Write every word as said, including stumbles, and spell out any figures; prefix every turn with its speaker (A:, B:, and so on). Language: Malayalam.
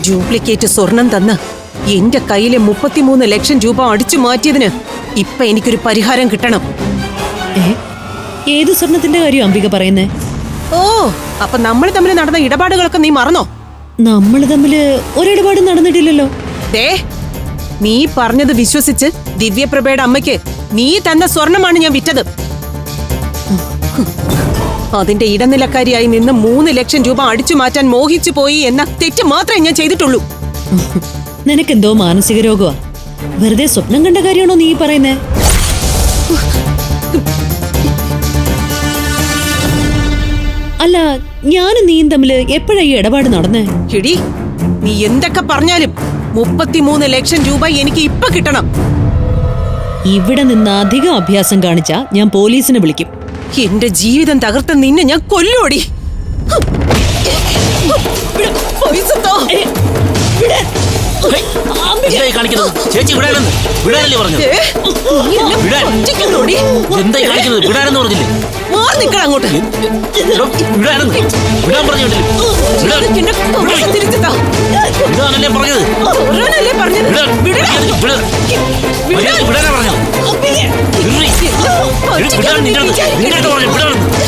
A: ഡ്യൂപ്ലിക്കേറ്റ് സ്വർണം തന്ന് എന്റെ കയ്യിലെ മുപ്പത്തിമൂന്ന് ലക്ഷം രൂപ അടിച്ചു മാറ്റിയതിന് ഇപ്പൊ എനിക്കൊരു പരിഹാരം കിട്ടണം.
B: ഏത് സ്വർണത്തിന്റെ കാര്യം അംബിക പറയുന്നേ?
A: ഓ, അപ്പൊ നമ്മൾ തമ്മിൽ നടന്ന ഇടപാടുകളൊക്കെ നീ മറന്നോ?
B: നമ്മൾ തമ്മില് ഒരിടപാടും നടന്നിട്ടില്ലല്ലോ.
A: ദേ, നീ പറഞ്ഞത് വിശ്വസിച്ച് ദിവ്യപ്രഭയുടെ അമ്മയ്ക്ക് നീ തന്ന സ്വർണമാണ് ഞാൻ വിറ്റത്. അതിന്റെ ഇടനിലക്കാരിയായി നിന്ന് മൂന്ന് ലക്ഷം രൂപ അടിച്ചു മാറ്റാൻ മോഹിച്ചു പോയി എന്ന തെറ്റ് മാത്രമേ ഞാൻ ചെയ്തിട്ടുള്ളൂ.
B: നിനക്കെന്തോ മാനസിക രോഗമാ. വെറുതെ സ്വപ്നം കണ്ട കാര്യമാണോ നീ പറയുന്നേ? അല്ല, ഞാനും നീയും തമ്മില് എപ്പോഴാ ഈ ഇടപാട് നടന്നേ?
A: എടി, നീ എന്തൊക്കെ പറഞ്ഞാലും മുപ്പത്തിമൂന്ന് ലക്ഷം രൂപ എനിക്ക് ഇപ്പൊ കിട്ടണം.
B: ഇവിടെ നിന്ന് അധികം അഭ്യാസം കാണിച്ചാ ഞാൻ പോലീസിനെ വിളിക്കും.
A: എന്റെ ജീവിതം തകർത്ത നിന്നെ ഞാൻ കൊല്ലോടി.
C: ചേച്ചി വിടാനെന്ന് വിടാനല്ലേ പറഞ്ഞു? പറഞ്ഞില്ലേ
A: അങ്ങോട്ട്
C: വിടാനെന്ന് വിടാൻ പറഞ്ഞില്ലേ? വിടാനല്ലേ പറഞ്ഞത്? വിടാനാ പറഞ്ഞത്? നിങ്ങളുടെ പറഞ്ഞു വിടാൻ